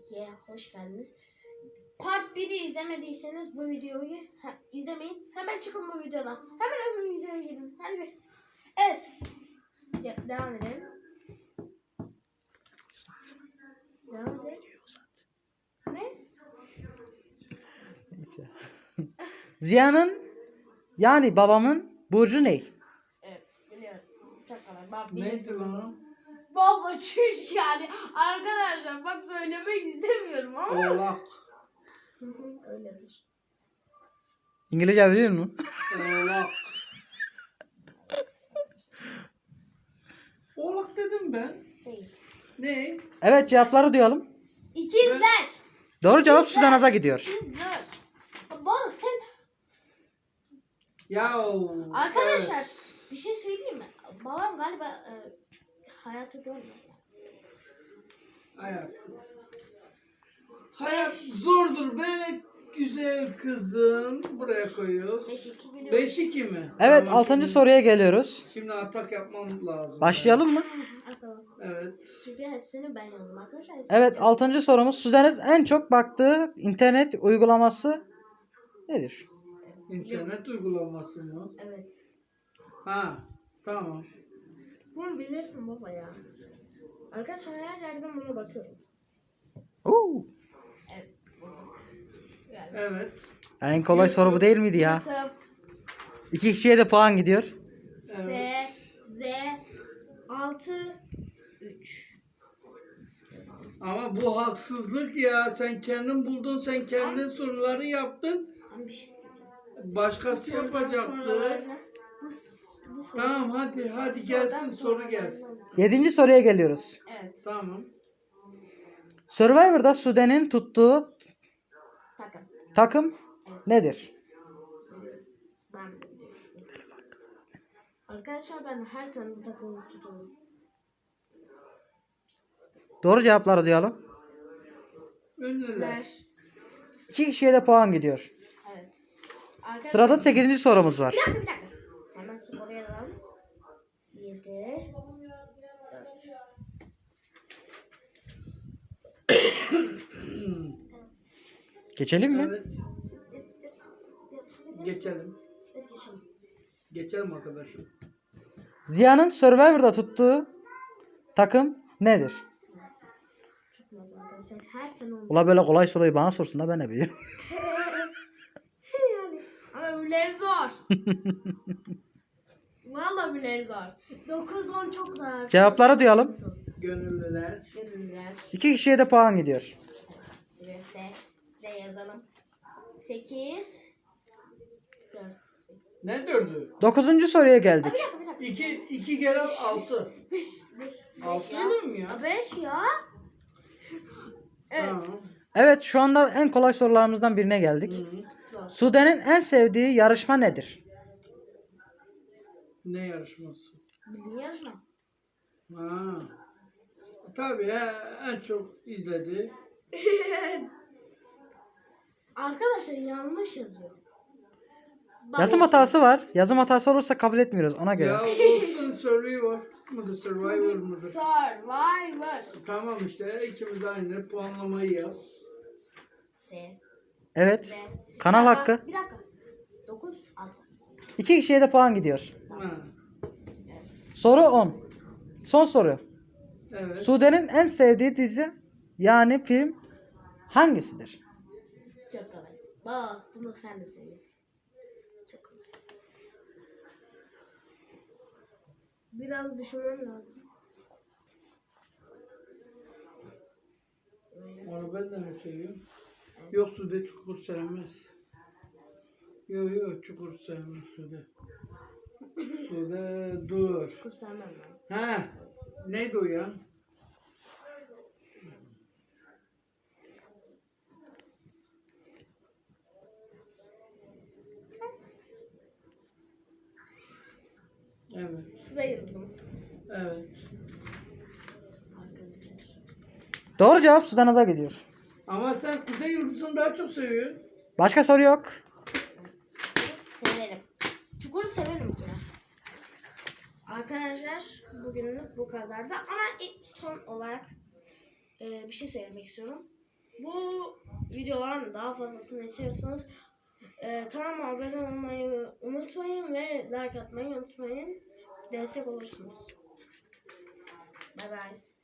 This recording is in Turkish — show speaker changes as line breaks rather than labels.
2'ye hoş geldiniz. Part 1'i izlemediyseniz bu videoyu izlemeyin. Hemen çıkın bu videodan. Hemen öbür videoya gidin. Hadi bir. Evet. Devam edelim. Devam edelim. Ne?
Neyse. Ziya'nın yani babamın burcu ne?
Evet. Biliyorum. Çok kolay.
Neydi lan?
Baba çüş yani. Arkadaşlar bak söylemek istemiyorum ama.
Oğlak.
Öyledir.
İngilizce biliyor musun?
Oğlak. Oğlak dedim ben.
Değil.
Ne?
Evet, cevapları duyalım.
İkizler.
Doğru cevap Sudanaz'a gidiyor.
İkizler. Baba sen.
Ya.
Arkadaşlar bir şey söyleyeyim mi? Babam galiba hayatı görmüyor.
Hayat. Hayat zordur be güzel kızım. Buraya koyuyoruz.
5-2 biliyorum.
5-2 mi?
Evet,
Tamam,
6.
şimdi-
soruya geliyoruz.
Şimdi atak yapmam lazım.
Başlayalım mı?
Atamazsın.
Evet.
Çünkü hepsini ben yazdım arkadaşlar.
Evet, 6. sorumuz. Sudanaz en çok baktığı internet uygulaması nedir?
İnternet uygulaması mı?
Evet.
Ha. Tamam.
Bunu bilirsin baba ya. Arkadaşlar her yerden buna bakıyorum.
Oo.
Evet. Yani.
Evet.
En kolay soru bu değil miydi ya?
YouTube,
2 kişiye de puan gidiyor.
Evet.
Z 6 3.
Ama bu haksızlık ya. Sen kendin buldun. Sen kendin soruları yaptın.
Ama bir şey diyeceğim.
Başkası yapacaktı.
Bu soru.
Tamam hadi gelsin soru gelsin.
7. soruya geliyoruz.
Evet.
Tamam.
Survivor'da Sudan'ın tuttuğu
Takım.
takım nedir?
Ben de biliyorum. Arkadaşlar ben her sene bu takımı tutuyorum.
Doğru cevapları duyalım.
Ünlüler.
2 kişiye de puan gidiyor.
Evet. Arkadaşlar,
Sırada 8. sorumuz var.
bir dakika. Hemen skoru yazalım. 7
Geçelim mi?
Evet. Geçelim.
geçelim.
Geçelim arkadaşım.
Ziya'nın Survivor'da tuttuğu takım nedir?
Tutmaz arkadaşlar. Her sene onu.
Ula böyle kolay soruyu bana sorsun da ben ne bileyim.
Yani. Ama öbürleri zor. Vallahi öbürleri zor. 9-10 çok zor.
Cevapları duyalım.
Gönüllüler.
Gönüllüler.
2 kişiye de puan gidiyor.
Z yazalım. 8 4.
Ne dördü?
9. soruya geldik.
Bir dakika.
2 kere 6.
5
6
ya.
mi ya?
5 ya. Evet.
Tamam.
Evet, şu anda en kolay sorularımızdan birine geldik.
Zor.
Sudan'ın en sevdiği yarışma nedir?
Ne yarışması?
Bildiğin yarışma.
Ha. Tabii en çok izledi.
Arkadaşlar yanlış yazıyor. Bak-
Yazım hatası var. Yazım hatası olursa kabul etmiyoruz ona göre.
Ya olsun Survivor mudur? Survivor mudur?
Survivor.
Tamam işte ikimiz de aynı puanlamayı yaz.
S.
Evet.
Z.
Kanal
Bir dakika,
hakkı.
Bir dakika. 9 6.
2 kişiye de puan gidiyor.
Ha.
Evet.
Soru 10. Son soru.
Evet.
Sude'nin en sevdiği dizi yani film hangisidir?
Çok kolay. Bak bunu sen de seviyorsun. Çok kolay. Biraz düşünmem lazım.
Onu ben de mi seviyorum? Yok Sude çukur sevmez. Yok çukur sevmez Sude. Sude dur.
Çok sevmem ben.
Ha. Neydi o ya? Evet.
Kuzey Yıldızım.
Evet.
Arkadaşlar.
Doğru cevap Sudan'a gidiyor.
Ama sen Kuzey Yıldızı'nı daha çok seviyorsun.
Başka soru yok.
Severim. Çukuru severim ya. Arkadaşlar bugünlük bu kadardı ama son olarak bir şey söylemek istiyorum. Bu videoların daha fazlasını istiyorsanız kanalıma abone olmayı unutmayın ve like atmayı unutmayın. Destek olursunuz. Bye bye.